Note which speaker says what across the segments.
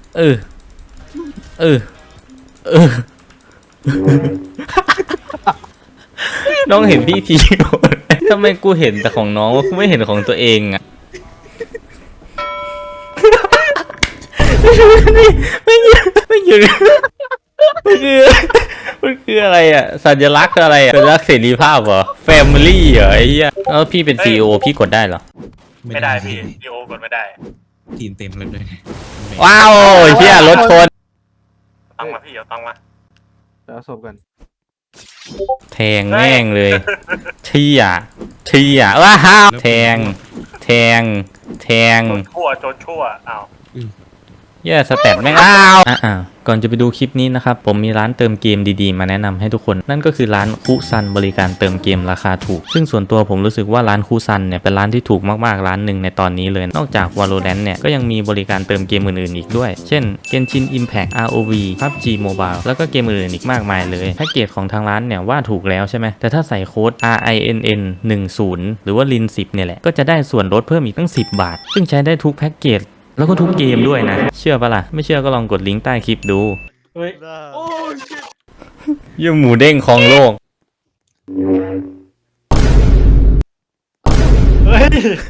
Speaker 1: เออเออเออน้องเห็นพี่ทีทำไมกูเห็นแต่ของน้องกูไม่เห็นของตัวเองอะไม่หยุดมันคืออะไรอ่ะสัญลักษณ์อะไรอ่ะสัญลักษณ์เสรีภาพเหรอ Family เหรอไอ้เหี้ยแล้วพี่เป็น CEO พี่กดได้เหรอ
Speaker 2: ไม่ได้พี่ดีโอกดไม่ได้
Speaker 3: ทีมเต็มเลยด้วย
Speaker 1: ว้าวเหี้ยรถชน
Speaker 2: ตั้งมาพี่เอาตั้งมา
Speaker 4: จะเอาศพกัน
Speaker 1: แทงแม่งเลยเชี่ยว้าวแทงโจนชั่วอ้าวเย้สแตทแม่งก่อนจะไปดูคลิปนี้นะครับผมมีร้านเติมเกมดีๆมาแนะนำให้ทุกคนนั่นก็คือร้านคุซันบริการเติมเกมราคาถูกซึ่งส่วนตัวผมรู้สึกว่าร้านคุซันเนี่ยเป็นร้านที่ถูกมากๆร้านหนึ่งในตอนนี้เลยนอกจาก Valorant เนี่ยก็ยังมีบริการเติมเกมอื่นๆอีกด้วยเช่น Genshin Impact ROV PUBG Mobile แล้วก็เกมอื่นๆอีกมากมายเลยแพ็กเกจของทางร้านเนี่ยว่าถูกแล้วใช่ไหมแต่ถ้าใส่โค้ด RINN 10หรือว่า LIN 10เนี่ยแหละก็จะได้ส่วนลดเพิ่มอีกตั้ง10 บาทซึ่งใช้ได้ทุกแพ็กเกจแล้วก็ทุกเกมด้วยนะเชื่อปะล่ะไม่เชื่อก็ลองกดลิงก์ใต้คลิปดู
Speaker 2: เฮ้ยโอ้
Speaker 1: ยี่หมูเด้งของโลก
Speaker 2: เฮ้ย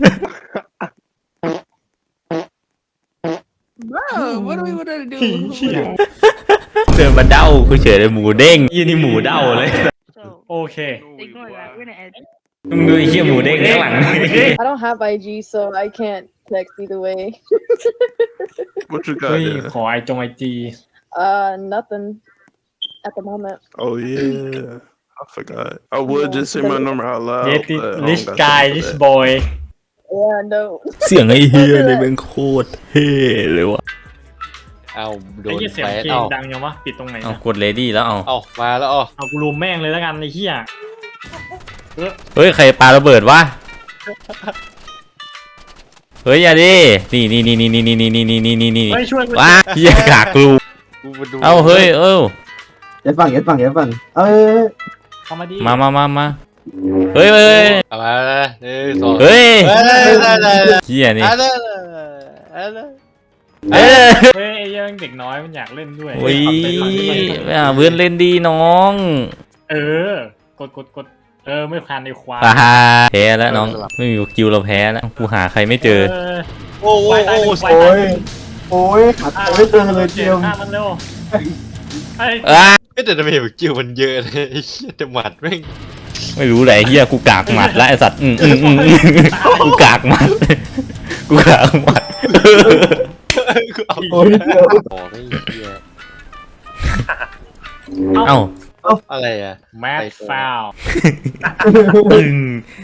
Speaker 5: Bro, what do we want to do?
Speaker 1: เดินมาเด้ากูเฉยเลยหมูเด้งยี่นี่หมูเด้าเลย
Speaker 2: โอเค
Speaker 5: Ignore that. We're gonna edit.
Speaker 1: มึงดูไอ้เหี้ยหมูเด้งข้างหลัง
Speaker 6: I don't have IG, so I can't text either way.
Speaker 4: What you got
Speaker 2: เฮ้ย
Speaker 4: there?
Speaker 2: ขอไอจี
Speaker 6: Nothing at the moment.
Speaker 4: Oh yeah, I forgot. I would just say my number out loud.
Speaker 2: เยติ
Speaker 4: but I don't
Speaker 2: this
Speaker 4: got
Speaker 2: guy
Speaker 4: time for
Speaker 2: this
Speaker 4: that.
Speaker 2: boy
Speaker 6: Yeah, no.
Speaker 1: เสียงไอ้เหี้ยเนี่ยแม่งโคตรเท่เลยวะ
Speaker 7: เอาโด
Speaker 2: ไอ้
Speaker 7: น
Speaker 2: เหี้ยเสียง
Speaker 7: แฟ
Speaker 2: เพลง
Speaker 7: เอา
Speaker 2: ดังยังวะปิดตรงไหน
Speaker 1: เอา
Speaker 2: นะ
Speaker 1: กดเลดี้แล้วเอา
Speaker 7: มาแล้ว
Speaker 2: เอากูรูมแม่งเลยแล้วกันไอ้เหี้ย
Speaker 1: เฮ้ยใครปาระเบิดวะเฮ้ยอย่าดินี่
Speaker 2: เฮ้ยช่วยกู
Speaker 1: ว้าเหี้ยกากรู
Speaker 7: กูมาดู
Speaker 1: เอาเฮ้ย
Speaker 8: ยัดฝั่ง
Speaker 2: เข้ามาดิ
Speaker 1: มาเฮ้ย
Speaker 7: เอามา1 2
Speaker 1: เฮ้ย
Speaker 7: ได้
Speaker 1: เหี้ยนี่
Speaker 7: ได้
Speaker 1: เอ้ย
Speaker 2: เฮ้ยไอ้เหี้ยเด็กน้อยมันอยากเล่นด้วย
Speaker 1: โอ้ย
Speaker 2: เฮ้ย
Speaker 1: เพื่อนเล่นดีน้อง
Speaker 2: เออกดไม่ผ่านในควาย
Speaker 1: แพ้แล้วน้องไม่มีคิวเราแพ้แล้วกูหาใครไม่เจอ
Speaker 7: โอ้โห
Speaker 8: โอ้ยหาตัวไม่เจอเลยเจียม
Speaker 2: ฆ่ามันเร็วไอ้
Speaker 7: แต่ทำไมแบบคิวมันเยอะเลยไอ้เหี้ยแต่หมัดแม่ง
Speaker 1: ไม่รู้ไหนเฮียกูกากหมัดแล้วไอสัตว์กูกากหมัด
Speaker 7: โอ้ยเหี้ย
Speaker 1: เอ้า
Speaker 7: อะไรอ่ะ
Speaker 2: แมทฟาว
Speaker 1: ตึง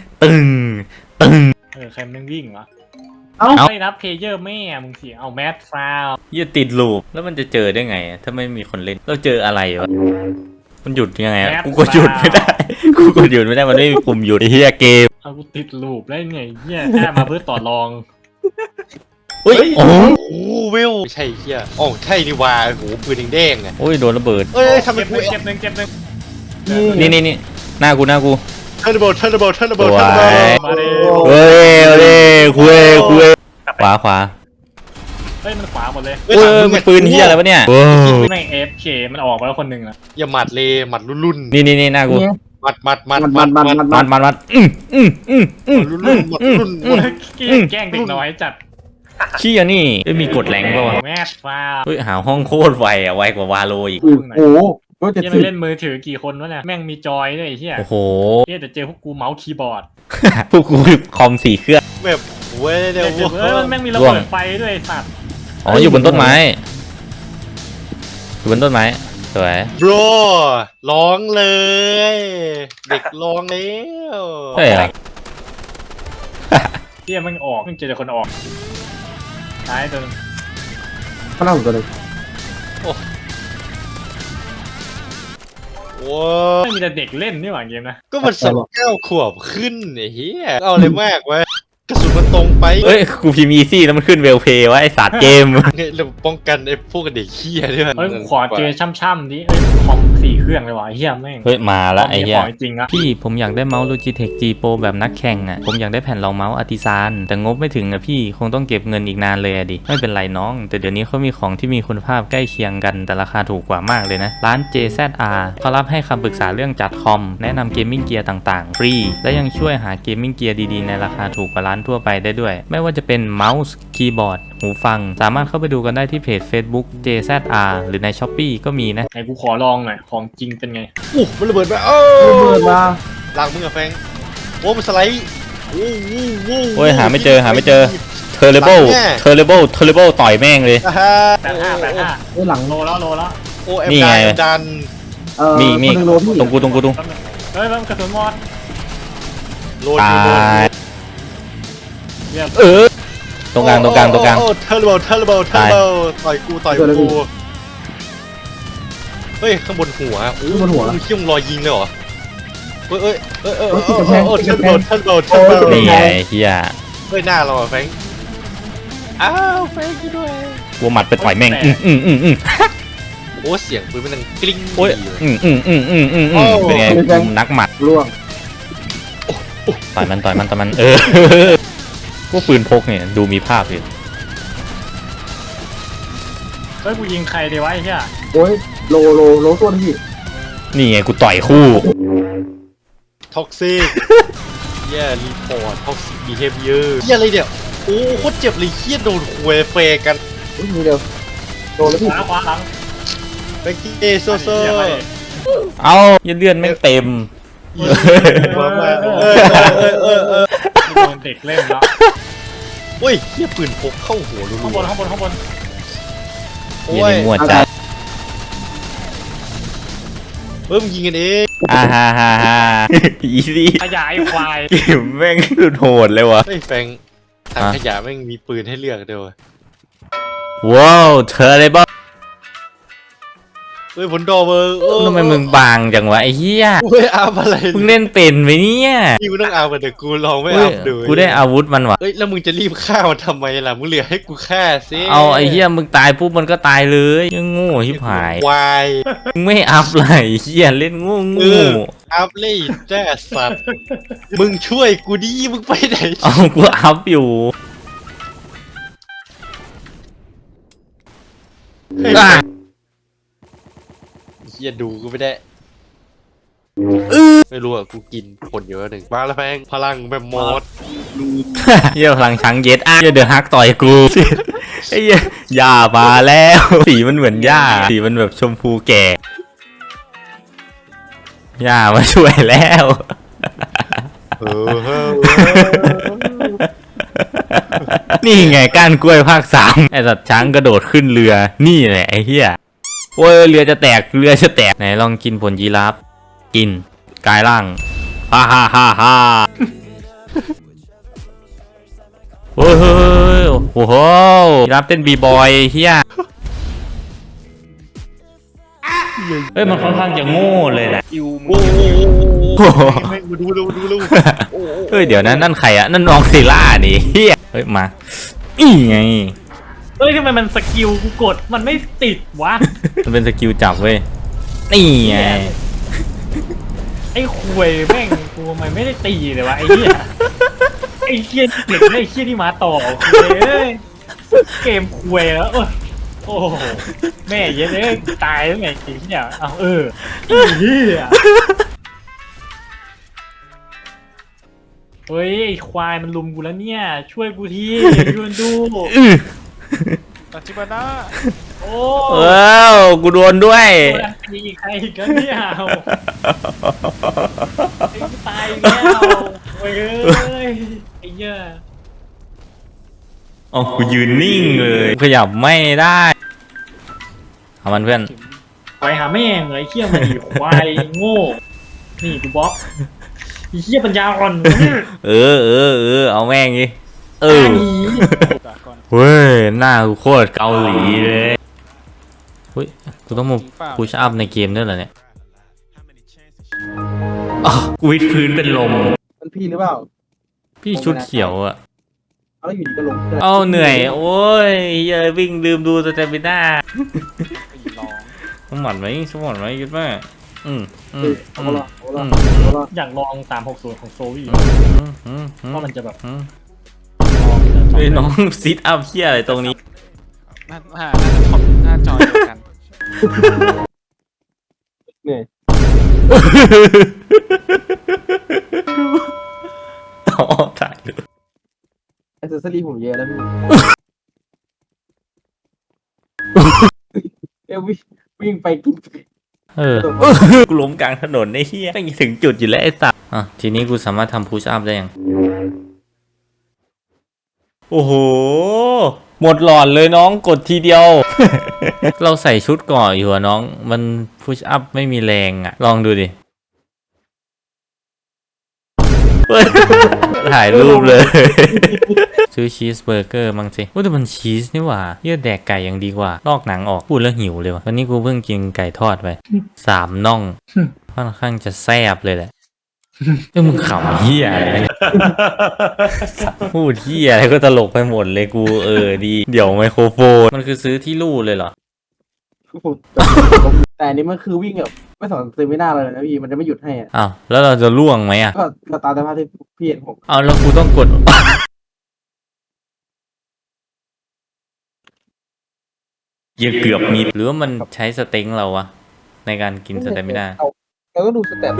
Speaker 2: ใครมันวิ่งวะ
Speaker 8: เอ้า
Speaker 2: ไม่นับเพลเยอร์แม่มึงเสียเอาแมทฟาว
Speaker 1: เฮียติดลูปแล้วมันจะเจอได้ไงถ้าไม่มีคนเล่นเราเจออะไรวะมันหยุดยังไงกูก็หยุดไม่ได้มันไม่มีปุ่มหยุดไอ้เฮียเกม
Speaker 2: เอากูติดลูปได้ไงเหี้ยแค่มาเพื่อต่อรอง
Speaker 1: โอ้ยโอ้
Speaker 7: โอ้เวลไม่ใช่เหี้ยอ๋อใช่นี่ว่าโอ้โหปืนแดงๆอ่ะ
Speaker 1: โอ้ยโดนระเบิด
Speaker 7: เอ้ยทำไม
Speaker 2: เก็บ
Speaker 7: กู
Speaker 2: หนึ่งเก็บหนึ่ง
Speaker 1: นี่หน้ากู
Speaker 7: ทันระเบิด
Speaker 2: มาดิ
Speaker 1: เฮ้ยคุยขวา
Speaker 2: เฮ้ยมันขวาหมดเลย
Speaker 1: โอ้ยมันปืนเฮียอะไรวะเนี่ย
Speaker 2: แม่ง AFK มันออกไปแล้วคนหนึ่งอะ
Speaker 7: อย่าหมัดเลยหมัดรุ่น
Speaker 1: นี่หน้ากู
Speaker 7: มัด
Speaker 1: มัด
Speaker 7: รุ่น
Speaker 2: แกล้งเด็กน้อยจัด
Speaker 1: เชี่ยนี่ไม่มีกดแรงป่าวะ
Speaker 2: แมทฟาว
Speaker 1: เฮ้ยหาห้องโคตรไวอ่ะไวกว่าวาโลอีก
Speaker 8: โอ้โหก็จะ
Speaker 2: เหี้ย
Speaker 8: สิ
Speaker 2: มันเล่นมือถือกี่คนวะเนี่ยแม่งมีจอยด้วยไอ้เหี้ย
Speaker 1: โอ้โห
Speaker 2: เหี้ยแต่เจอพวกกูเมาส์คีย์บอร์ด
Speaker 1: พวกกูคอม4 เครื่อง
Speaker 7: แบบเว้ยเดี๋ยว
Speaker 2: แม่งมีระเบิดไฟด้วยไอ้สัตว์
Speaker 1: อ๋ออยู่บนต้นไม้สวย
Speaker 7: บรร้องเลย เด็กร้องแล้ว
Speaker 1: เฮ้ย
Speaker 2: เหี้ยแม่งออกแม่งเจอแต่คนออกท้ายตัวนึง
Speaker 8: ข้างหน้าผมตัวนึง
Speaker 7: ว้า
Speaker 2: ไม่มีแต่เด็กเล่นนี่หว่าเกมนะ
Speaker 7: ก็มัน19 ขวบขึ้นไอ้เหี้ยเอาเลยมากเว้ยกระสุนมันตรงไป
Speaker 1: เอ้ยกูพิมพ์อีซี่แล้วมันขึ้นเวลเพย์วะไอสัตว์เกม
Speaker 7: เนี่ยเราป้องกันไอ้พวกเด็กเหี้ยด้วย
Speaker 2: เฮ้ยขอเจอช่ำๆดิของ4 เครื่องเลยว่ะเฮียแม่ง
Speaker 1: เฮ้ยมาละไอ้เหี้ย
Speaker 2: ของจริงอะ
Speaker 1: พี่ผมอยากได้เมาส์ Logitech G Pro แบบนักแข่งอ่ะผมอยากได้แผ่นรองเมาส์ Artisan แต่งบไม่ถึงอ่ะพี่คงต้องเก็บเงินอีกนานเลยอะดิไม่เป็นไรน้องแต่เดี๋ยวนี้เขามีของที่มีคุณภาพใกล้เคียงกันแต่ราคาถูกกว่ามากเลยนะร้าน JZR เขารับให้คำปรึกษาเรื่องจัดคอมแนะนำเกมมิ่งเกียร์ต่างๆฟรีและยังช่วยหาเกมมิ่งเกียร์ดีๆในราคาถูกกว่าร้านทั่วไปได้ด้วยไม่ว่าจะเป็นเมาส์คีย์บอร์ดหูฟังสามารถเข้าไปดูกันได้ที่เพจ Facebook JZR หรือใน Shopee ก็มีนะ
Speaker 2: ไหนกูขอลองหน่อยของจริงเป็นไง
Speaker 7: มันระเบิดมา
Speaker 8: ระเบิดมา
Speaker 7: หลังมึงอะแฟงโอ้มันสไลด์โอ้
Speaker 1: โอ้ยหาไม่เจอTerrible ต่อยแม่งเลย
Speaker 2: 85
Speaker 8: ไอ้หลัง
Speaker 2: โลแล้ว
Speaker 7: โอ้แอม
Speaker 1: นี่ไง
Speaker 7: ดัน
Speaker 1: มี
Speaker 8: คนหนึ่งโลพี่
Speaker 1: ตรงกู
Speaker 2: เฮ้ยมันกระสุนหมด
Speaker 7: โลดอยู่
Speaker 1: ตาย
Speaker 2: เรียบ
Speaker 1: ตรงกลาง
Speaker 7: โอ้เทอร์เบิลต่อยกูเฮ้ยข้างบนหัวโอ้
Speaker 8: บนหัว
Speaker 7: มึงเขี้ยมรอยยิงเลยเหรอเฮ้ยเทอร์เบิล
Speaker 1: นี่ไงเฮีย
Speaker 7: เฮ้ยหน้าเราอะแฟงอ้าวแฟงกูด้วย
Speaker 1: วัวหมัดไปต่อยแม่ง
Speaker 7: โอ้เสียงปืนมันดังกริ๊ง
Speaker 1: โอ้ยเป็นไงนักหมัด
Speaker 8: ร่วง
Speaker 1: ต่อยมันพวกปืนพกเนี่ยดูมีภาพเลย
Speaker 2: เฮ้ยกูยิงใครดีวะไอ้เหี้ย
Speaker 8: โอ้ยโลตัวนึงพี่
Speaker 1: นี่ไงกูต่อยคู่
Speaker 7: ท็อกซิกเหี้ยรีพอร์ตท็อกซิกบีเฮฟเยอร์เหี้ยอะไรเนี่ยโอ้โคตรเจ็บเลยเหี้ยโดนคุยเฟกัน
Speaker 8: มีเดียวโดนแล้วพี่
Speaker 2: ขวาหลัง
Speaker 7: แบงกี้โซโซ
Speaker 1: เอายันเลือดแม่งเต็ม
Speaker 7: มา
Speaker 2: โดนเด็กเล่นแล้ว
Speaker 7: เฮ้ยเหี้ยปืนพกเข้าหัวรัว
Speaker 2: ข้างบน
Speaker 7: โอ้
Speaker 1: ยัน
Speaker 7: ย
Speaker 1: ในหมวดจ้า
Speaker 7: มึงยิงกันเอง
Speaker 1: ฮ่าอีซี่
Speaker 2: ขยายควาย
Speaker 1: เกมแม่งสุดโหดเลยวะ
Speaker 7: เฮ้ยแฟงถังขยะแม่งมีปืนให้เลือกเดียว
Speaker 1: ว้าวTerrible
Speaker 7: เฮ้ยผลดอเบอร์
Speaker 1: ทำไมมึงบางจังวะไอ้เหี้ย
Speaker 7: เฮ้ยอาบอะไร
Speaker 1: มึงเล่นเป็นไหมเนี่ย
Speaker 7: พี่มึงต้องอาบแต่กูลองไม่
Speaker 1: เฮ้
Speaker 7: อาย บดู
Speaker 1: กูได้อาวุธมันวะ
Speaker 7: เฮ้ยแล้วมึงจะรีบฆ่ามันทำไมล่ะมึงเหลือให้กูฆ่าสิ
Speaker 1: เอาไอ้เหี้ยมึงตายปุ๊บมันก็ตายเลยยังโง่ชิบหาย
Speaker 7: ควาย
Speaker 1: มึงไม่อัพเลยเหี้ยเล่นโง่
Speaker 7: อัพเลยแจ้สัตว์มึงช่วยกูดิมึงไปไหน
Speaker 1: เอากูอัพอยู่อ่ะ
Speaker 7: เฮียดูกูไม่ได้ไม่รู้อ่ะกูกินผลเยอะหนึ่งมาแล้วแพงพลังแบบมอส
Speaker 1: เหี้ยพลังช้างเย็ดอ่ะเหี้ยเดือดฮักต่อยกูไอ้เหี้ยหญ้ามาแล้วสีมันเหมือนหญ้าสีมันแบบชมพูแก่หญ้ามาช่วยแล้ว นี่ไงก้านกล้วยภาค 3ไอ้สัตว์ช้างกระโดดขึ้นเรือนี่แหละไอ้เหี้ยโอ้ยเรือจะแตกไหนลองกินผลยีราฟกินกลายร่างฮ่าโอ้ยโอ้โหยีราฟเต้นบีบอยเฮียเฮ้ยมันค่อนข้างจะโง่เลยนะ
Speaker 2: อิว
Speaker 7: โอ้โหดู
Speaker 1: เฮ้ยเดี๋ยวนะนั่นใครอะนั่นน้องซิล่านี่เฮียเฮ้ยมาอีไง
Speaker 2: เฮ้ยทำไมมันสกิลกูกดมันไม่ติดวะ
Speaker 1: มันเป็นสกิลจับเว้ยนี่ไง
Speaker 2: ไอ้ควยแม่งกูทำไมไม่ได้ตีเลยวะไอ้เหี้ยไอ้เหี้ยเด็กไอ้เหี้ยที่มาต่อควยเอ้ยเกมควยแล้วโอ้โหแม่เย็นเลยตายแล้วไงไอ้เหี้ยเอาไอ้เหี้ยเฮ้ยไอ้ควายมันลุมกูแล้วเนี่ยช่วยกูทียูนดูตัดจิบาน่าโอ้
Speaker 1: กูโดนด้วย
Speaker 2: มีใครอีกแล้วเนี่ยตายแล้วโอ้ยไอ้เหี้ย
Speaker 1: อ๋อกูยืนนิ่งเลยขยับไม่ได้เอามันเพื่อน
Speaker 2: ไปหาแม่งเลยเหี้ยมันอีควายโง่นี่กูบล็อกไอ้เหี้ยปัญญาอ่อน
Speaker 1: เอาแม่งดิเว้ยหน้ากูโคตรเกาหลีเลยเฮ้ยกูต้องมาพุชอัพในเกมด้วยเหรอเนี่ยอ๋อกูวิดพื้นเป็นลม
Speaker 8: มันพี่หรือเปล่า
Speaker 1: พี่ชุดเขียวอะ
Speaker 8: แล้วอยู่ดีก็ลง
Speaker 1: เอาเหนื่อยโอ้ยเหี้ยวิ่งลืมดูสเตมิน่า
Speaker 2: ลอง
Speaker 1: สมอนไหมสมอนไหมยุดมาก
Speaker 8: เอาละเอาละ
Speaker 2: อยากลอง360ของโซวี่ว่ามันจะแบบ
Speaker 1: เฮ้ยน้องซิทอัพเหี้ยอะไรตรงนี้
Speaker 3: น่าจะท็อปหน้าจอเดียวกัน
Speaker 8: เนี่ย
Speaker 1: อ๋อถ่ายดู
Speaker 8: แอคเซสซอรี่ผมเยอะแล้วพี่เอ้ยวิ่งไปกิน
Speaker 1: กูล้มกลางถนนไอ้เหี้ยไม่ถึงจุดอยู่แล้วไอ้สัสอ่ะทีนี้กูสามารถทำพุชอัพได้ยังโอ้โหหมดหลอดเลยน้องกดทีเดียว เราใส่ชุดก่ออยู่อะน้องมันพุชอัพไม่มีแรงอะลองดูดิ ถ่ายรูปเลย ซื้อชีสเบอร์เกอร์มั้งสิว่าแต่มันชีสนี่หว่าเยื่อแดกไก่ยังดีกว่าลอกหนังออกพูดแล้วหิวเลยว่ะวันนี้กูเพิ่งกินไก่ทอดไป3 น่องค่อนข้างจะแซ่บเลยแหละมึงขำเหี้ยอะไรเนี่ยพูดเหี้ยอะไรก็ตลกไปหมดเลยกูดีเดี๋ยวไมโครโฟนมันคือซื้อที่ลู่เลยเหรอ
Speaker 8: แต่อันนี้มันคือวิ่งแบบไม่สนเซมิน่าเลยนะพี่มันจะไม่หยุดให้อ่ะ
Speaker 1: อ้าวแล้วเราจะล่วงไหมอ่ะ
Speaker 8: ก็ตามสภาพที่พี่เห็นผม
Speaker 1: เอาแล้วกูต้องกด ยังเกือบมีหรือว่ามันใช้สเต็งเราวะในการกินสเต็มไม่ได้
Speaker 8: เราก็ดูสเต็ป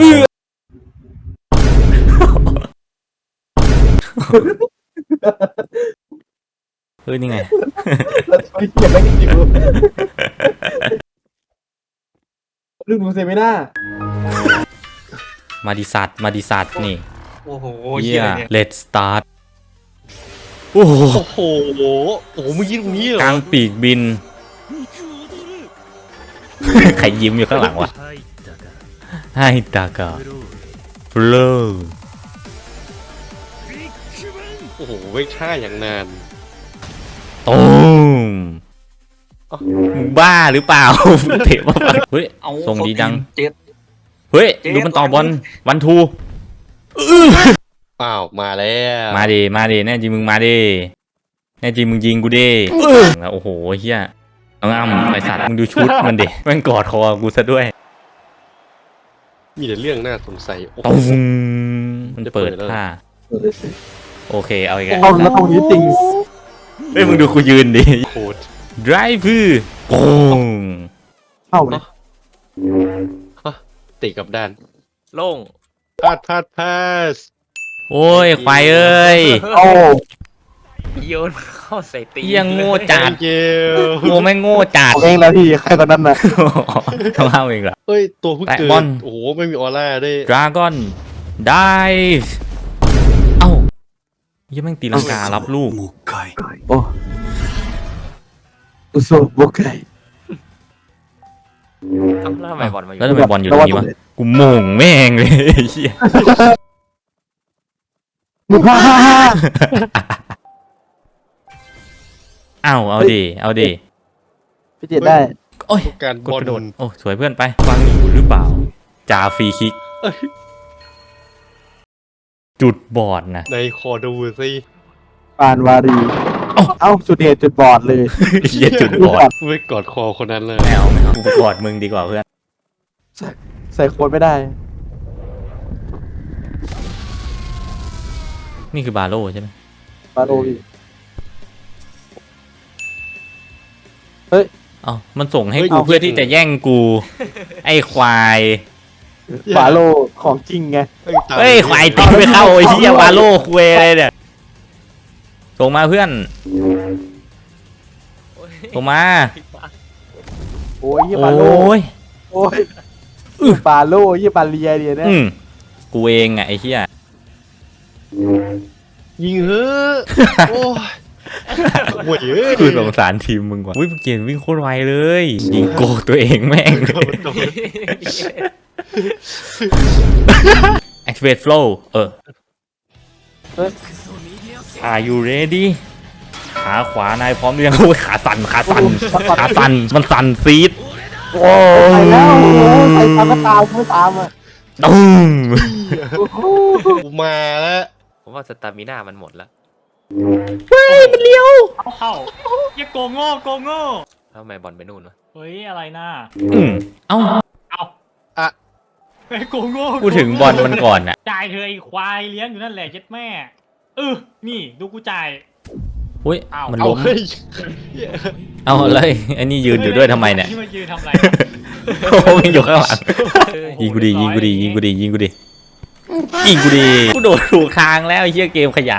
Speaker 1: เฮ้ยนี่ไง
Speaker 8: เราช่วยเก็บไว้กินอยู่ดูเซมิน่า
Speaker 1: มาดิสัตนี่
Speaker 7: โอ้โห
Speaker 1: เฮี
Speaker 7: เหี้
Speaker 1: ย
Speaker 7: ยอะไรเนี่ย
Speaker 1: let's start โอ้โห
Speaker 7: โอ้โหโอ้โหมึงยิงตรงนี้เหรอก
Speaker 1: ลางปีกบิน ใครยิ้มอยู่ข้างหลังวะให้ตากาฟลู
Speaker 7: โอ้โหเวกท่าอย่างนาน
Speaker 1: ตูมมึงบ้าหรือเปล่า เตะมาเฮ้ยส่งดีจัง
Speaker 7: เจ็ด
Speaker 1: เฮ้ยดูมันต่อบอลวันทู
Speaker 7: อ้าวมาแล้ว
Speaker 1: มาดิแน่จริงมึงมาดิแน่จริงมึงยิงกูดิแล้วโอ้โหเฮียเอาง่ำไอสัตว์มึงดูชุดมันดิแม่งกอดคอกูซะด้วย
Speaker 7: มีแต่เรื่องน่าสงสัยโอ้โห
Speaker 1: ตุ้มมันเปิดผ้าโอเคเอาอีกแล้ว
Speaker 8: เอาแล้วตรงนี้จริง
Speaker 1: เฮ้ยมึงดูกูยืนดิ
Speaker 7: โคตร
Speaker 1: drive โป้ง
Speaker 8: เข้าเลย
Speaker 7: ติกับด้าน
Speaker 3: โล่ง
Speaker 7: พาส
Speaker 1: โอ้ยควายเอ้ย
Speaker 8: โอ้
Speaker 3: โยนเข้าใส่ตีน
Speaker 1: เหี้ยโง่จัด
Speaker 7: เกล
Speaker 1: โง่ไม่งโง่จัด
Speaker 8: ผมเองแล้วพี่ใครตอนนั้นน่ะ
Speaker 1: ต้องเอาเองเหรอ
Speaker 7: เฮ้ยตัวเพิ่ง
Speaker 1: แตะ
Speaker 7: เกิ
Speaker 1: บอล
Speaker 7: ดโอ้โหไม่มีออร่าด้วย
Speaker 1: dragon dive เอ้ายังแม่งตีลังการับลูก
Speaker 8: โอ้อุโซโบกไก
Speaker 3: แล้วทำไมบอลมาอยู่
Speaker 1: แล้วทำไมบอลอยู่ตรงนี้วะกูโมงแม่งเลยไอ้เหี้ย
Speaker 8: ฮ่าฮ่าฮ่า
Speaker 1: เอาดิ
Speaker 8: พี่เจ็ดได้
Speaker 1: โอ้ย
Speaker 7: การ
Speaker 1: ก
Speaker 7: บอล
Speaker 1: ระโดดโอ้สวยเพื่อนไปฟังอยู่หรือเปล่าจ่าฟรีคิก จุดบอดนะ
Speaker 7: ในคอดูสิ
Speaker 8: ปานวารีเอ้าจุดเดชจุดบอดเลย
Speaker 1: เหี้ยจุดบอด
Speaker 7: ไม่กอดคอคนนั้นเลย
Speaker 1: ไม่เอากูไปกอดมึงดีกว่าเพื่อน
Speaker 8: ใส่โค้ดไม่ได้
Speaker 1: นี่คือบาโลใช่ไหม
Speaker 8: ปาโรพี่
Speaker 1: เอ้ามันส่งให้กูเพื่อที่จะแย่งกู ไอ้ควาย
Speaker 8: ปาโรของจริงไง
Speaker 1: เฮ้ยควายตีไม่เข้าไอ้เหี้ยวาโลคุยอะไรเนี่ยส่งมาเพื่อนส่งมา
Speaker 8: โอ้ยยี่
Speaker 1: โอ
Speaker 8: ปาโร้
Speaker 1: ย
Speaker 8: โอ้ยปาโลยี่ปาเลียเดียนะ
Speaker 1: กูเองไอ้เหี้ย
Speaker 7: ยิงเฮ้อะโอ้ยโว้ยเอ้ย
Speaker 1: คือสงสารทีมมึงว่ะวิ่งเกียนวิ่งโคตรไวเลยยิงโกตัวเองแม่งเลย activate flow Are you ready ขาขวานายพร้อมหรือยังโอ้ยขาสั่นมันสั่นซีดโอ้
Speaker 8: ไปแล้ว
Speaker 1: ย
Speaker 8: ใครตามก็ตามไม่ตามอ่ะ
Speaker 1: ตุ้ม
Speaker 7: กูมาแล้ว
Speaker 3: ผมว่าสตามิน่ามันหมดแล้ว
Speaker 1: เฮ้ยมันเลี้ยว
Speaker 2: เข้าเหี้ยโกงโง่โกงโง่
Speaker 3: แล้วทำไมบอลไปนู่นวะ
Speaker 2: เฮ้ยอะไรน่ะ
Speaker 1: เอ้า
Speaker 2: เอา
Speaker 7: อ่ะ
Speaker 2: ไอ้โกงโง่
Speaker 1: พูดถึงบอลมันก่อนอะ
Speaker 2: จ่ายเธอไอ้ควายเลี้ยงอยู่นั่นแหละเจ็ดแม่นี่ดูกูจ่าย
Speaker 1: อุ้ย
Speaker 2: อ้าว
Speaker 1: มัน
Speaker 7: เอา
Speaker 1: ล้ม
Speaker 7: เฮ้ย
Speaker 1: เอาเลยไอ้นี่ยืนอยู่ด้วยทำไมเนี่ย
Speaker 2: นี่มายืนทำอะไร
Speaker 1: โอ้ยอยู่ข้างหลังยิงกูดียิงกูดียิงกูดียิงกูดียิงกูดีกูโดดถูกทางแล้วไอ้เหี้ยเกมขยะ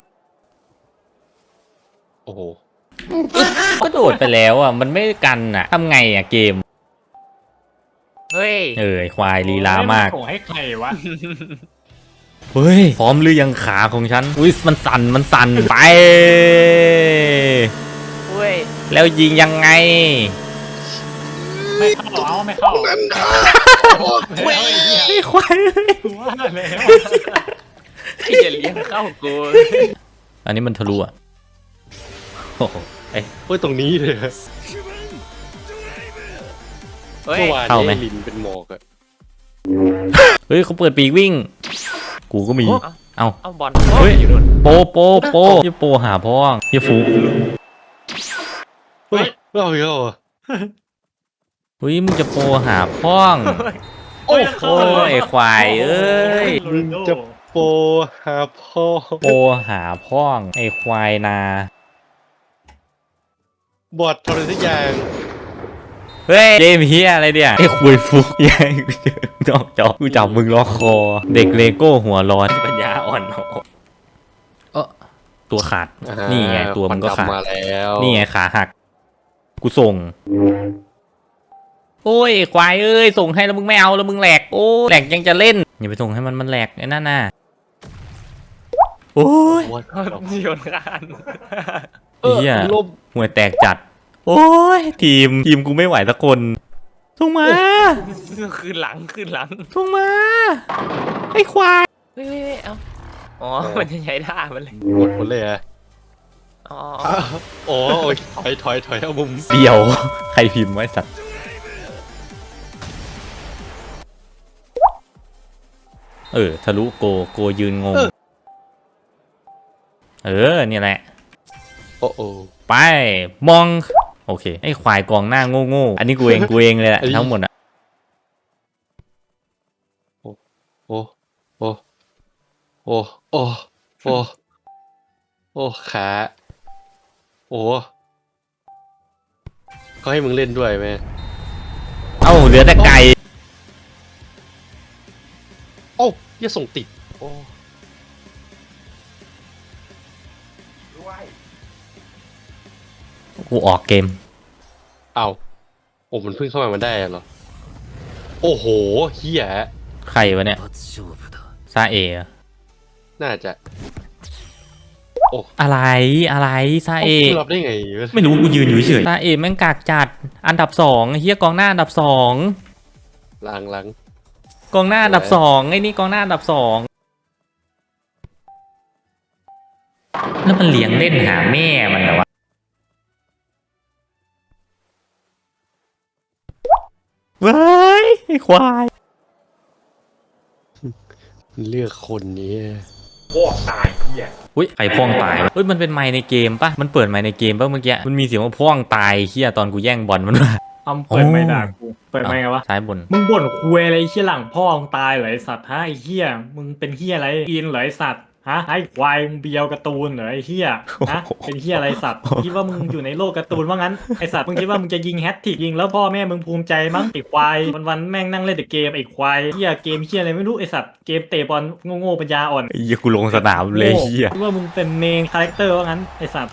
Speaker 7: โอ้โห
Speaker 1: ก็โดดไปแล้วอ่ะมันไม่กันอ่ะทำไงอ่ะเกม
Speaker 3: เฮ้ย
Speaker 1: ไอ้ควายลีลามาก
Speaker 2: โอ้ยให้ใครวะ
Speaker 1: เฮ้ยพร้อมหรือยังขาของฉันอุ้ยมันสั่นไป
Speaker 3: เฮ้ย
Speaker 1: แล้วยิงยังไง
Speaker 2: ไม่เข้าเอาไม่เข้าไม่เอาไอ้เหี้ย
Speaker 1: ไอ้ควาย
Speaker 2: กูว่าแล้ว
Speaker 3: ที่จะเลี้ยงเข้ากู
Speaker 1: อันนี้มันทะลุอ่ะโอ้โห
Speaker 7: เฮ้ยตรงนี้เลย
Speaker 3: เฮ้ย
Speaker 7: เมื่อวาน
Speaker 1: เข้าไหม
Speaker 7: นี้ลินเป็นหมอกอะ
Speaker 1: เฮ้ยเขาเปิดปีกวิ่ง กูก็มี เอ้า
Speaker 3: เอาบอล
Speaker 1: เฮ้ย
Speaker 3: อยู่นู่น
Speaker 1: โปยี่โปหาพ่อยี่ฟู
Speaker 7: เฮ้ยไม่เอาอีกแล้วเหรอ
Speaker 1: เฮ้ยมึงจะโปหาพ่อง
Speaker 2: โอ้ย
Speaker 1: โอ้ยไอ้ควายเอ้ย
Speaker 7: มึงจะโปหาพ่อ
Speaker 1: โปหาพ่องไอ้ควายนา
Speaker 7: บอดทำอะไรสักอย่าง
Speaker 1: เฮ้ยเกมเฮียอะไรเนี่ยไอ้คุยฟุกแย่งกูเจอนอกจอกูจับมึงล็อกคอ เด็กเลโก้หัวร้อนปัญญาอ่อนตัวขาด นี่ไงตัวมึงก็ขาด
Speaker 7: ควันดำมาแล้ว
Speaker 1: นี่ไงขาหัก กูส่ง โอ้ยไอ้ควายเอ้ยส่งให้แล้วมึงไม่เอาแล้วมึงแหลกโอ้แหลกยังจะเล่นอย่าไปส่งให้มันแหลกไอ้นั่นน่ะโอ้ย
Speaker 7: โอ้ย
Speaker 3: โยนกัน
Speaker 1: เหี้ย
Speaker 7: ลม
Speaker 1: ห่วยแตกจัด โอ้ยทีมกูไม่ไหวสักคนส่งมา
Speaker 3: ขึ้นหลัง
Speaker 1: ส่งมาไอ้ควาย
Speaker 3: เฮ้ยเอาอ๋อมันจะใช้ท่ามันเลย
Speaker 7: หมดเลยอะ
Speaker 3: อ๋อ
Speaker 7: โอ้ยถอยเอามุม
Speaker 1: เดียว ใครพิมพ์ไว้สัตว์ทะลุโกยืนงงเนี่ยแหละ
Speaker 7: โอ้โอ้
Speaker 1: ไปมองโอเคไอ้ควายกองหน้าโง่อันนี้กูเองเลยแหละทั้งหมดอ่ะ
Speaker 7: โอ้โอ้โอ้โอ้โอ้ขาโอ้เขาให้มึงเล่นด้วยไหม
Speaker 1: เอ้าเหลือแต่ไก่
Speaker 7: โอ้อย่าส่งติดโอ้
Speaker 1: กูออกเกม
Speaker 7: เอาโอ้มันเพิ่งเข้ามามันได้เหรอโอ้โหเฮีย
Speaker 1: ใครวะเนี่ยซาเอะ
Speaker 7: น่าจะ
Speaker 1: อะไรซาเอ
Speaker 7: มึงรับได้ไง
Speaker 1: ไม่รู้กูยืนอยู่เฉยซาเอแม่งกากจัดอันดับ2ไอ้เหี้ยกองหน้าอันดับ2
Speaker 7: ลัง
Speaker 1: กองหน้าอันดับ2ไอ้นี่กองหน้าอันดับ2แล้วมันเลี้ยงเล่นหาแม่มันเหรอวะเว้ยไอ้ควาย
Speaker 7: เลือกคนนี้
Speaker 1: อุ้ยไอ้พ่วงตายวะเฮ้ยมันเป็นไมค์ในเกมปะมันเปิดไมค์ในเกมปะเมื่อกี้มันมีเสียงว่าพ่วงตายเฮียตอนกูแย่งบอลมันมา
Speaker 2: เอาเปิดไม่ด่ากูเปิดไม่ไงวะ
Speaker 1: ซ้ายบน
Speaker 2: มึงบ่นคุยอะไรไอ้เหี้ยหลังพ่อมึงตายเหรอไอสัตว์ฮะไอ้เหี้ยมึงเป็นเหี้ยอะไรอินเหรอไอสัตว์ฮะไอ้ควายมึงเบียวการ์ตูนเหรอไอ้เหี้ยฮะเป็นเหี้ยอะไรสัตว์คิดว่ามึงอยู่ในโลกการ์ตูนว่างั้นไอสัตว์มึงคิดว่ามึงจะยิงแฮตทริกยิงแล้วพ่อแม่มึงภูมิใจมั้งไอ้ควายวันๆแม่งนั่งเล่นแต่เกมไอ้ควายเหี้ยเกมเหี้ยอะไรไม่รู้ไอสัตว์เกมเตะบอลโง่ๆปัญญาอ่อน
Speaker 1: ไอ้เหี้ยกูลงสนามเลยเฮีย
Speaker 2: คิดว่ามึงเป็นเมนคาแรคเตอร์ว่างั้นไอสัตว์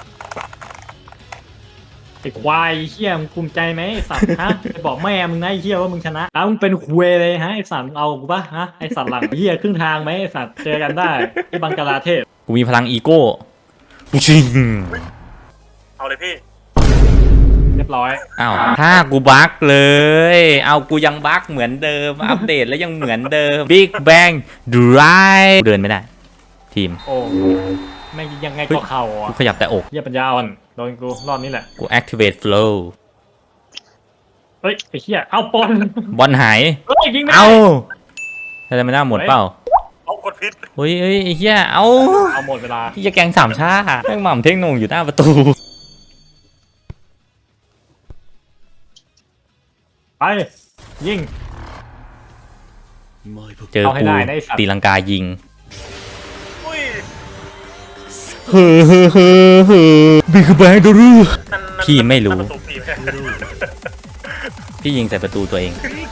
Speaker 2: ไอ้ควายเฮียมึงภูมิใจไหมไอสัตว์ฮะไปบอกแม่มึงนะไอ้เฮียว่ามึงชนะมึงเป็นคุยเลยฮะไอสัตว์มึงเอากูปะฮะไอสัตว์หลังเฮียครึ่งทางไหมไอสัตว์เจอกันได้ที่บังกลาเทศ
Speaker 1: กูมีพลังอีโก้กูชิง
Speaker 2: เอาเลยพี่เรียบร้อย
Speaker 1: อ้าวถ้ากูบั๊กเลย เอากูยังบั๊กเหมือนเดิม อัปเดตแล้วยังเหมือนเดิม Big Bang Drive เดินไม่ได้ ทีม
Speaker 2: โอ้แม่งยังไงก็เข่า
Speaker 1: กู
Speaker 2: อ่ะ
Speaker 1: ขยับแต่อก
Speaker 2: เฮียปัญญาอ่อนโดนกูรอบนี้แหละ
Speaker 1: กู activate flow
Speaker 2: เฮ้ยไอ้เฮียเอาปอน
Speaker 1: บอลหาย
Speaker 2: เฮ้ยยิงไม่ได้
Speaker 1: เอาทำไมไม่ได้หมดเปล่า
Speaker 2: เอา
Speaker 9: กดพิษ
Speaker 1: เฮ้ยไอ้เหี้ยเอา
Speaker 2: เอาหมดเวลา
Speaker 1: เหี้ยแกงสามชาแม่งหม่ำเท่งโหนงอยู่หน้าประตู
Speaker 2: ไปยิง
Speaker 1: เจอ
Speaker 2: เอาให้
Speaker 1: กู
Speaker 2: ได้นะไอ้สัตว์
Speaker 1: ตีลังกายิง
Speaker 9: อุ้ย
Speaker 1: บิ๊กแบงดูรู
Speaker 9: นั่น
Speaker 1: พี่ไม่รู้
Speaker 9: นั่นประตูปีไหม
Speaker 1: พี่ยิงใส่ประตูตัวเอง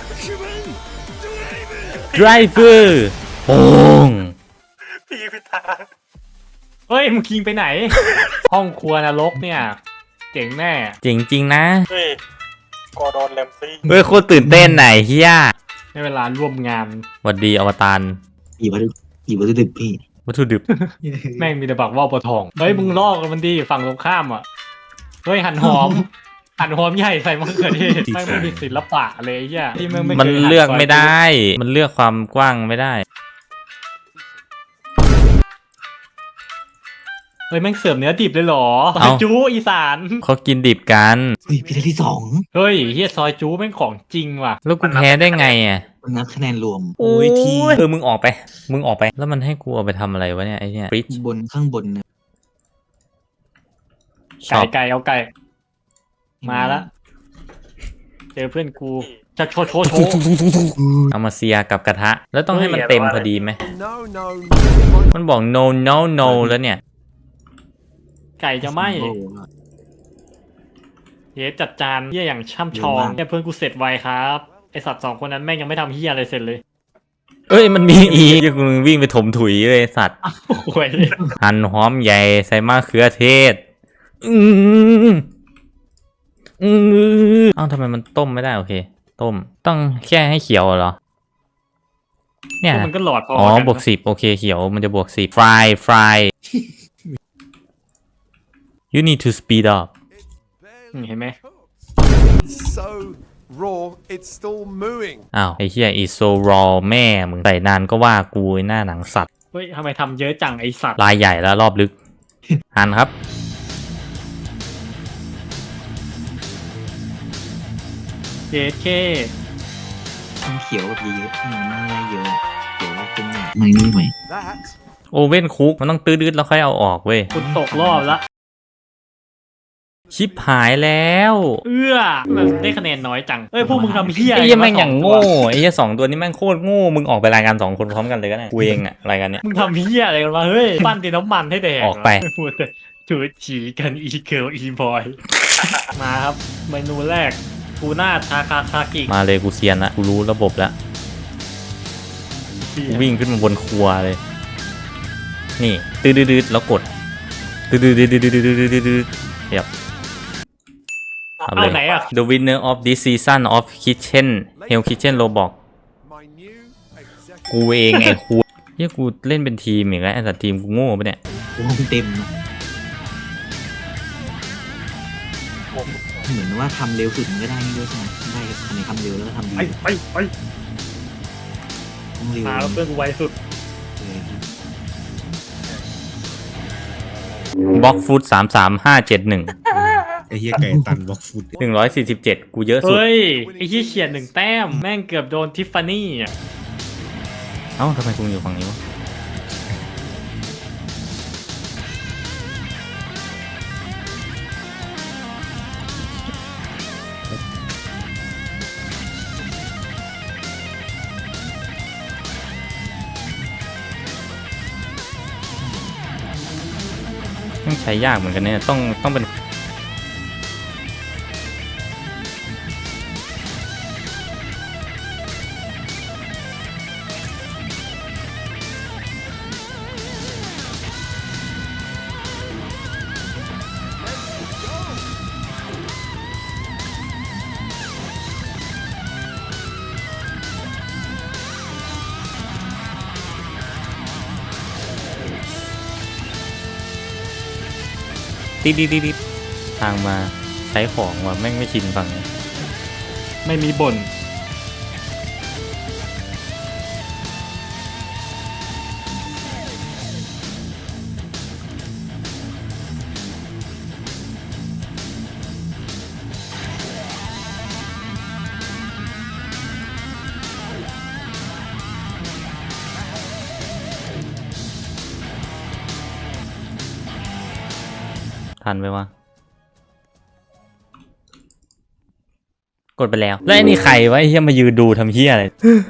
Speaker 1: driver โป่ง
Speaker 9: พี่ยิงผิดทาง
Speaker 2: เฮ้ยมึงคิงไปไหน ห้องครัวนรกเนี่ยเจ๋งแน่
Speaker 1: จริงจริงๆนะ
Speaker 9: เฮ้ยกอร์ดอนแรมซี่
Speaker 1: เฮ้ยโคตรตื่นเต้นไหนเฮีย
Speaker 2: ในเวลาร่วมงาน
Speaker 1: หวัดดีอวตาร
Speaker 8: อีวัตถุดิบพี่
Speaker 1: วัตถุดิบ
Speaker 2: แม่งมีแต่บักว่าวปะทองเฮ้ยมึงลอกมันดีฝั่งตรงข้ามอ่ะเฮ้ยหั่นหอม หั่นหอมใหญ่ใส่มะเขือเทศแม่งไม่มีศิลปะเลยไอ้เหี้ยที่แงไคย
Speaker 1: มันเลือก
Speaker 2: หั่นซย
Speaker 1: ไม่ได้ มันเลือกความกว้างไม่ได้
Speaker 2: เฮ้ยแม่งเสิร์ฟเนื้อดิบเลยเหรอซ
Speaker 1: เอ้า
Speaker 2: อยจูอีสาน
Speaker 1: เขากินดิบกัน
Speaker 8: เฮ้ยพี่ได้ที่ 2
Speaker 2: เฮ้ยเฮียซอยจูแม่งของจริงว่ะ
Speaker 1: แล้วกูแพ้ได้ไงอ่ะ
Speaker 8: นับคะแนนรวม
Speaker 1: โอ้ยมึงออกไป มึงออกไป แล้วมันให้กูเอาไปทำอะไรวะเนี่ยไอ้เนี่ยฟริช
Speaker 8: บนข้างบนนะ
Speaker 1: ช็อป
Speaker 2: ไก่เอาไก่ มาละเจอเพื่อนกูจะโชว์
Speaker 1: เอามาเซียกับกระทะ แล้วต้องให้มันเต็มพอดีไหม
Speaker 4: No, no.
Speaker 1: มันบอก no no no แล้วเนี่ย
Speaker 2: ไก่จะไหม
Speaker 8: โอ้โห
Speaker 2: เฮียจัดจานเฮียอย่างช่ำชอง
Speaker 8: เร็วมาก
Speaker 2: เนี่ยเพื่อนกูเสร็จไวครับไอสัตว์สองคนนั้นแม่งยังไม่ทำเฮียอะไรเสร็จเลย
Speaker 1: เอ้ยมันมีอีกกูวิ่งไปถมถุยเลยสัตว์
Speaker 2: โอ้ย
Speaker 1: หั่นหอมใหญ่ใส่มะเขือเทศเอ้าทำไมมันต้มไม่ได้โอเค ต้มต้องแค่ให้เขียวเหรอ เนี่ย
Speaker 2: มันก็หลอดพอ
Speaker 1: อ๋อ
Speaker 2: กัน
Speaker 1: บวก10โอเคเขียวมันจะบวก10 fry you need to speed up
Speaker 2: เห็นไหม
Speaker 4: So raw, it's still mooing.
Speaker 1: อ้าวไอ้เหี้ย is so raw แม่มึงใส่นานก็ว่ากูไอ้หน้าหนังสัตว์
Speaker 2: เฮ้ยทำไมทำเยอะจังไอสัตว์
Speaker 1: ลายใหญ่แล้วรอบลึก หันครับ
Speaker 2: เจเค
Speaker 8: ต้องเขียวแบบเยอะๆไม่ได้เยอะเขียวเป็นหน่อยไม่ไหว
Speaker 4: That
Speaker 1: โอเว่นคุกมันต้องตื้อๆแล้วค่อยเอาออกเว้ย
Speaker 2: คุณตกรอบละ
Speaker 1: ชิปหายแล้ว
Speaker 2: มันได้คะแนนน้อยจังเอ้ยพวกมึงทำเฮีย
Speaker 1: ไอ้เหี้ยแม่ง
Speaker 2: วะ
Speaker 1: อย่างโง่ไอ้เหี้ย2ตัวนี้แม่งโคตรโง่มึงออกไปรายการ2คนพร้อมกันเลยก็ได้กูเองอะรายการเนี้ย
Speaker 2: มึงทำเฮียอะไรกันวะเฮ้ยปั้นดินน้ำมันให้แดก
Speaker 1: ออกไป
Speaker 2: พูดแต่ถือฉีกันอีเกิลอีบอย มาครับเมนูแรกทูน่าทาคาคากิ
Speaker 1: มาเลยกูเซียนละกูรู้ระบบแล้วกูวิ่งขึ้นมาบนครัวเลย นี่ดืดๆแล้วกดดืดๆๆๆๆเรียบ
Speaker 2: เอาไหนอ่ะ
Speaker 1: The winner of this season of Kitchen Hell Kitchen Roblox
Speaker 4: my new executive.
Speaker 1: กูเองไอ้ครูเฮียกูเล่นเป็นทีมอีกแล้วไอ้สัตว์ทีมกูโง่ปะเนี่ย
Speaker 8: โอ้โหเต็มอะเหมือนว่าทำเร็วสุดมันก็ได้นี่ด้วยใช่ไหมได้คะแนนทำเร็วแล้วก็ทำดี
Speaker 2: ไป
Speaker 8: ต้องเร็ว
Speaker 2: มาแล้วเพื่อนกูไวสุด
Speaker 8: เลยครับ
Speaker 1: บล็อกฟุต33571
Speaker 10: ไอ้เหี้ยไก่ตันบล็อกฟุต
Speaker 1: 147กูเยอะสุด
Speaker 2: เฮ้ยไอ้ที่เขียน1 แต้มแม่งเกือบโดนทิฟฟานี่อ่ะ
Speaker 1: เอ้าทำไมกูอยู่ฝั่งนี้วะต้องใช้ยากเหมือนกันเนี่ยต้องเป็นติดทางมาใช้ของว่ะแม่งไม่ชินฝั่งนี้
Speaker 2: ไม่มีบ่น
Speaker 1: ทันไหมวะกดไปแล้วแล้วไอ้นี่ใครวะไอ้เฮียมายืนดูทำเฮียอะไร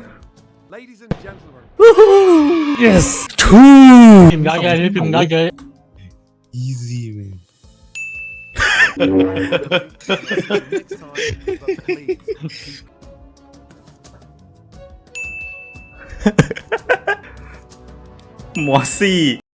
Speaker 1: yes
Speaker 2: พิมพ์ได้เยอะพิมพ์ได้เยอะ
Speaker 10: easy man
Speaker 1: มอสซี่